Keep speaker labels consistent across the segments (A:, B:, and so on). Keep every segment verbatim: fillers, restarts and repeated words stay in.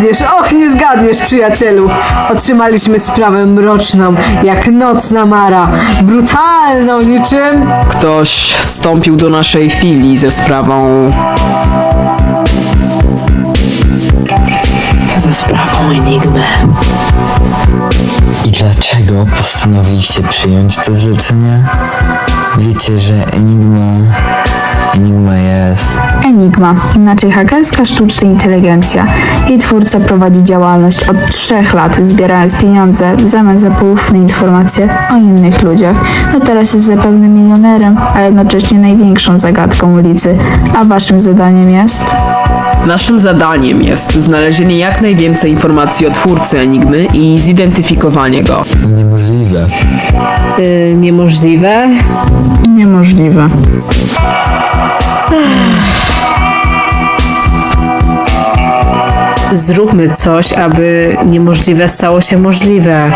A: zgadniesz, och nie zgadniesz, przyjacielu. Otrzymaliśmy sprawę mroczną, jak nocna mara. Brutalną niczym...
B: Ktoś wstąpił do naszej filii ze sprawą... ze sprawą Enigmy.
C: I dlaczego postanowiliście przyjąć to zlecenie? Wiecie, że Enigma... Enigma jest...
D: Enigma, inaczej hakerska sztuczna inteligencja. Jej twórca prowadzi działalność od trzech lat, zbierając pieniądze w zamian za poufne informacje o innych ludziach. No teraz jest zapewne milionerem, a jednocześnie największą zagadką ulicy. A waszym zadaniem jest?
B: Naszym zadaniem jest znalezienie jak najwięcej informacji o twórcy Enigmy i zidentyfikowanie go.
C: Niemożliwe.
E: Yy, niemożliwe.
D: Niemożliwe.
E: Zróbmy coś, aby niemożliwe stało się możliwe.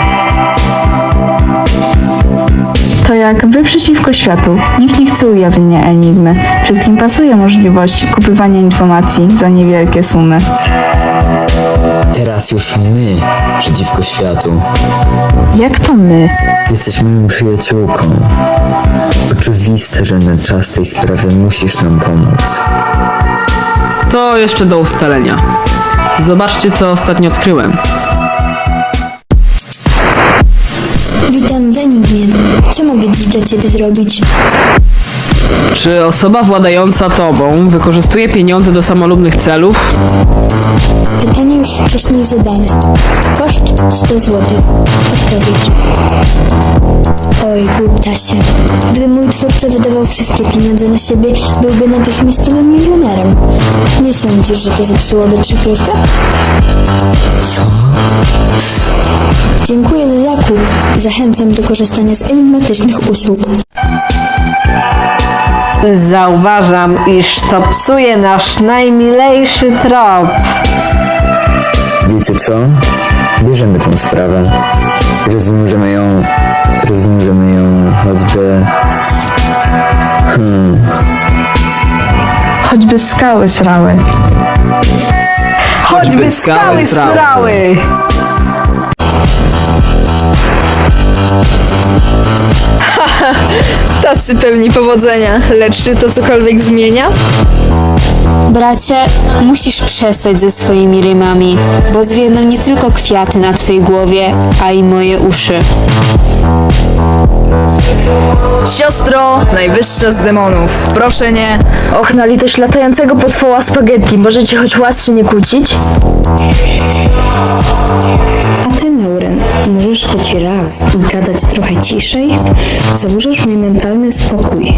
D: To jak wy przeciwko światu. Nikt nie chce ujawnienia Enigmy. Wszystkim pasuje możliwość kupywania informacji za niewielkie sumy.
C: Teraz już my przeciwko światu.
D: Jak to my?
C: Jesteś moją przyjaciółką. Oczywiste, że na czas tej sprawy musisz nam pomóc.
B: To jeszcze do ustalenia. Zobaczcie, co ostatnio odkryłem.
F: Witam w Enigmie. Co mogę dziś dla ciebie zrobić?
B: Czy osoba władająca tobą wykorzystuje pieniądze do samolubnych celów?
F: Pytanie już wcześniej zadane. Koszt sto złotych. Odpowiedź. Oj, głuptasie. Gdyby mój twórca wydawał wszystkie pieniądze na siebie, byłby natychmiastowym milionerem. Nie sądzisz, że to zepsułoby przykrywkę?
C: Co?
F: Dziękuję za zakup i zachęcam do korzystania z enigmatycznych usług.
E: Zauważam, iż to psuje nasz najmilejszy trop.
C: Wiecie co? Bierzemy tę sprawę. Rozwiążemy ją... Rozwiążemy ją choćby... Hmm...
D: Choćby skały srały.
B: Choćby skały srały.
G: Tacy pełni powodzenia, lecz czy to cokolwiek zmienia?
H: Bracie, musisz przestać ze swoimi rymami, bo zwiedną nie tylko kwiaty na twojej głowie, a i moje uszy.
G: Siostro, najwyższa z demonów, proszę nie. Och, na litość latającego potwoła spaghetti, możecie choć łasce nie kłócić?
F: A ty, Neuren, możesz choć raz gadać trochę ciszej? Zaburzasz mój mentalny spokój.